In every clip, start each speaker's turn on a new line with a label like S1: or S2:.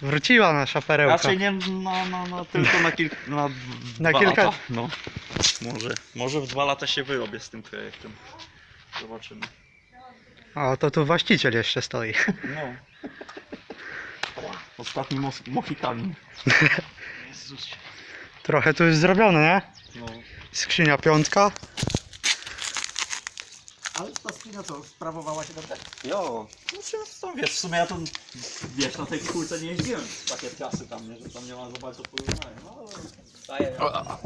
S1: Wróciła nasza perełka.
S2: Raczej nie tylko
S1: Na
S2: dwa
S1: kilka-
S2: lata. No. Może w 2 lata się wyrobię z tym projektem. Zobaczymy.
S1: O, to tu właściciel jeszcze stoi.
S2: No. Ostatni Mohikanin. Jezusie.
S1: Trochę tu już zrobione, nie?
S2: No.
S1: Skrzynia piątka.
S3: Ale ta skrzynia co, sprawowała się dobrze?
S2: Jo. No wiesz, w sumie ja to wiesz, na tej kulce nie jeździłem takie czasy tam, nie, że tam nie ma za bardzo porównania. No, daję.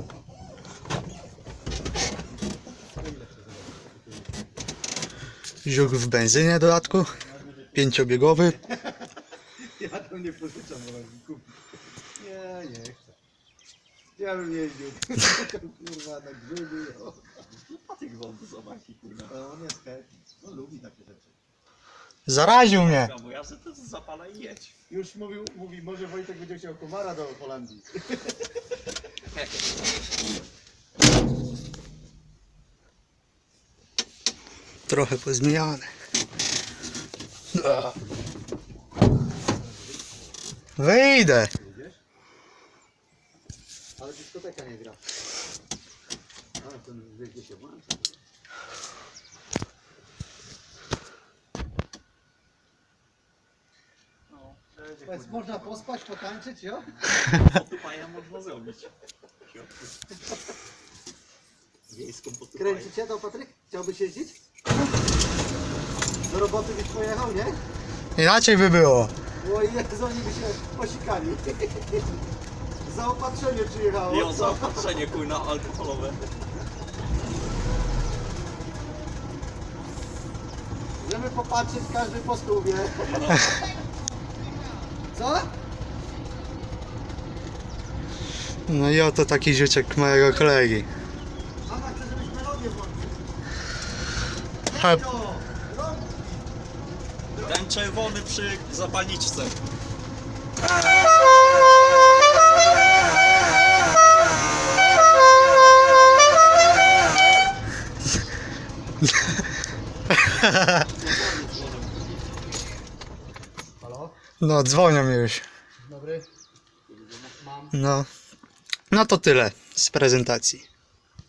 S1: Zióg w benzynie w dodatku. 5-biegowy.
S3: Ja to nie pożyczam, bo mi kupić. Nie chcę. Ja bym jeździł. Kurwa, na grzyby.
S2: Patyk wody zobacz i kurwa.
S3: No, on jest chętny. No, lubi takie rzeczy.
S1: Zaraził mnie.
S2: Bo ja sobie to zapala i jedź.
S3: Już mówi, może Wojtek będzie chciał komara do Holandii.
S1: Trochę pozmieniane. Wyjdę.
S3: Widzisz? Ale dyskoteka nie gra. Ale ten wie się włącza.
S2: No,
S3: Można pospać, potańczyć, jo?
S2: potupaja można zrobić. Wiejską potupaję.
S3: Kręci cię to, Patryk? Chciałbyś jeździć? Do roboty byś pojechał, nie?
S1: Inaczej by było.
S3: Bo Jezu, oni by się posikali. Zaopatrzenie przyjechało.
S2: I on zaopatrzenie kurna alkoholowe.
S3: Żeby popatrzeć każdy po stówie. Co?
S1: No i oto taki ziuczek mojego kolegi.
S3: Mama chce, żebyś melodię włączył.
S1: Ha,
S3: To, rąk.
S2: Ten czerwony przy zapalniczce.
S3: Halo?
S1: no dzwonią mi już.
S3: Dobry. Mam.
S1: No. No to tyle z prezentacji.